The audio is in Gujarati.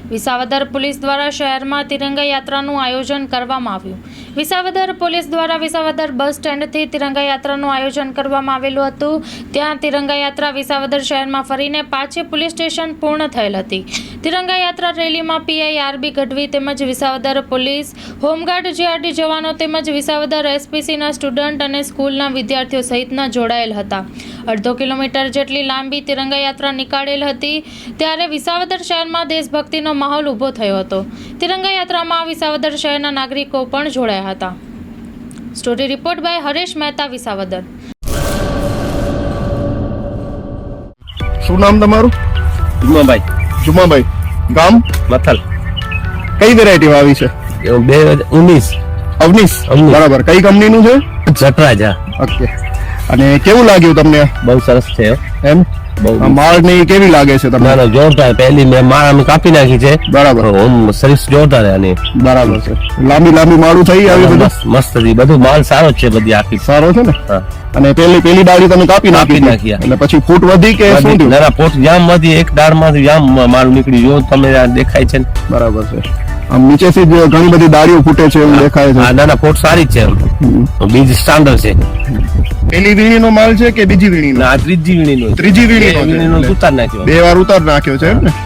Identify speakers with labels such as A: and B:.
A: વિસાવદર પોલીસ દ્વારા શહેરમાં તિરંગા યાત્રાનું આયોજન કરવામાં આવ્યું. વિસાવદર પોલીસ દ્વારા વિસાવદર બસ સ્ટેન્ડથી તિરંગા યાત્રાનું આયોજન કરવામાં આવેલું હતું. ત્યાં તિરંગા યાત્રા વિસાવદર શહેરમાં ફરીને પાછી પોલીસ સ્ટેશન પૂર્ણ થયેલ હતી. તિરંગા યાત્રા રેલીમાં પીઆઈ આરબી ગઢવી તેમજ વિસાવદર પોલીસ, હોમગાર્ડ જીઆરડી જવાનો તેમજ વિસાવદર એસપીસીના સ્ટુડન્ટ અને સ્કૂલના વિદ્યાર્થીઓ સહિતના જોડાયેલ હતા. 1.5 કિલોમીટર જેટલી લાંબી તિરંગા યાત્રા નીકાળેલ હતી. ત્યારે વિસાવદર શહેરમાં દેશભક્તિનો માહોલ ઊભો થયો હતો. તિરંગા યાત્રામાં વિસાવદર શહેરના નાગરિકો પણ જોડાયા હતા. Story report by Haresh Mehta, Visavadar.
B: શું નામ તમારું? જુમાભાઈ. ગામ?
C: મથલ.
B: કઈ વેરાયટી આવી છે?
C: 2019.
B: અવનીશ. બરાબર. કઈ કંપનીનું છે?
C: જટરાજ.
B: ઓકે. અને કેવું લાગ્યું તમને?
C: બહુ સરસ છે
B: એમ? માળ ને કેવી લાગે છે તમને?
C: જોરદાર. પહેલી મેં માળ અમે કાપી નાખી છે.
B: બરાબર.
C: સર્વિસ જોરદાર આની.
B: બરાબર છે. લાંબી માળું થઈ આવી બધું
C: મસ્ત હતી. બધું માલ સારો છે. બધી આખી
B: સારો છે ને?
C: હા.
B: અને પેલી ડાળી તમે કાપી નાખી એટલે પછી ફૂટ વધી કે શું થયું?
C: ના, ફૂટ જામ માંથી એક ડાળ માંથી જામ માલ નીકળી જો તમે દેખાય છે.
B: બરાબર છે. આમ નીચેથી જ ઘણી બધી ડાળીઓ ફૂટે છે એવું દેખાય છે.
C: ના ના, ફૂટ સારી જ છે. બીજ સ્ટાન્ડર્ડ છે.
B: પેલી વીણીનો માલ છે કે બીજી વીણીનો?
C: ના, ત્રીજી વીણીનો.
B: ત્રીજી વીણીનો
C: ઉતાર નાખ્યો.
B: 2 વાર ઉતાર નાખ્યો છે એમ ને?